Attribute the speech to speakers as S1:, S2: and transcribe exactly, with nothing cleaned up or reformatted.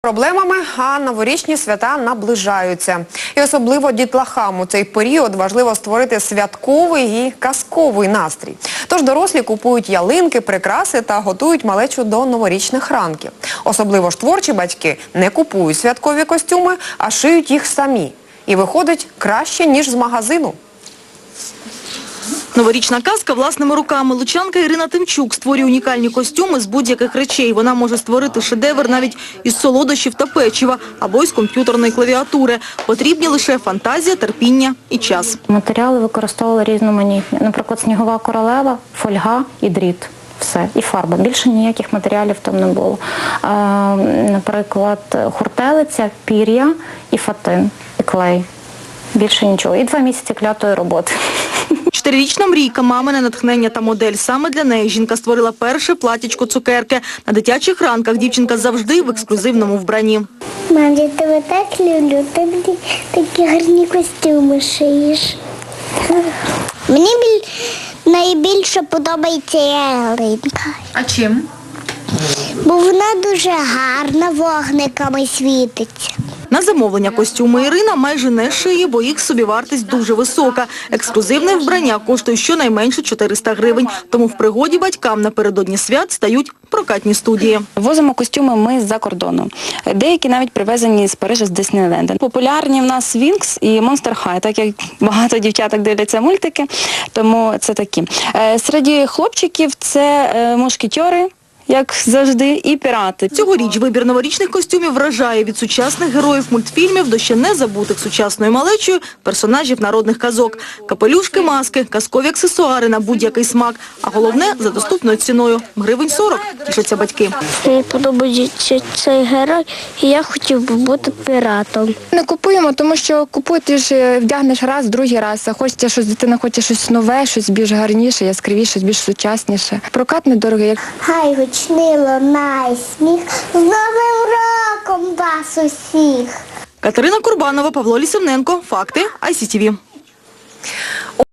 S1: Проблемами, а новорічні свята наближаються. І особливо дітлахам у цей період важливо створити святковий і казковий настрій. Тож дорослі купують ялинки, прикраси та готують малечу до новорічних ранків. Особливо ж творчі батьки не купують святкові костюми, а шиють їх самі. І виходить краще, ніж з магазину.
S2: Новорічна казка власними руками. Лучанка Ірина Тимчук створює унікальні костюми з будь-яких речей. Вона може створити шедевр навіть із солодощів та печива або із комп'ютерної клавіатури. Потрібні лише фантазія, терпіння і час.
S3: Матеріали використовували різноманітні. Наприклад, снігова королева, фольга і дріт. Все. І фарба. Більше ніяких матеріалів там не було. А, наприклад, хуртелиця, пір'я і фатин, і клей. Більше нічого. І два місяці клятої роботи.
S2: Чотирирічна Мрійка, мамине натхнення та модель. Саме для неї жінка створила перше платічко цукерки. На дитячих ранках дівчинка завжди в ексклюзивному вбранні.
S4: Мам, я тебе так люблю, ти мені такі гарні костюми шиєш. Мені біль... найбільше подобається ялинка.
S2: А чим?
S4: Бо вона дуже гарна, вогниками світиться.
S2: На замовлення костюми Ірина майже не шиє, бо їх собівартість дуже висока. Ексклюзивне вбрання коштує щонайменше чотириста гривень. Тому в пригоді батькам напередодні свят стають прокатні студії.
S5: Возимо костюми ми з-за кордону. Деякі навіть привезені з Парижа, з Диснейленда. Популярні в нас Вінкс і Монстер Хай, так як багато дівчаток дивляться мультики, тому це такі. Серед хлопчиків це мушкетери, як завжди, і пірати.
S2: Цьогоріч вибір новорічних костюмів вражає від сучасних героїв мультфільмів до ще не забутих сучасною малечою персонажів народних казок. Капелюшки, маски, казкові аксесуари на будь-який смак. А головне – за доступною ціною – гривень сорок, тішаться батьки.
S4: Мені подобається цей герой, і я хотів би бути піратом.
S6: Не купуємо, тому що купуєш, ти ж вдягнеш раз, другий раз, а хочеться щось, дитина хоче щось нове, щось більш гарніше, яскравіше, більш сучасніше. Прокат недорогий.
S4: Хай гучний лунає сміх, з Новим роком вас усіх!
S2: Катерина Курбанова, Павло Лісівненко. Факти ай сі ті ві.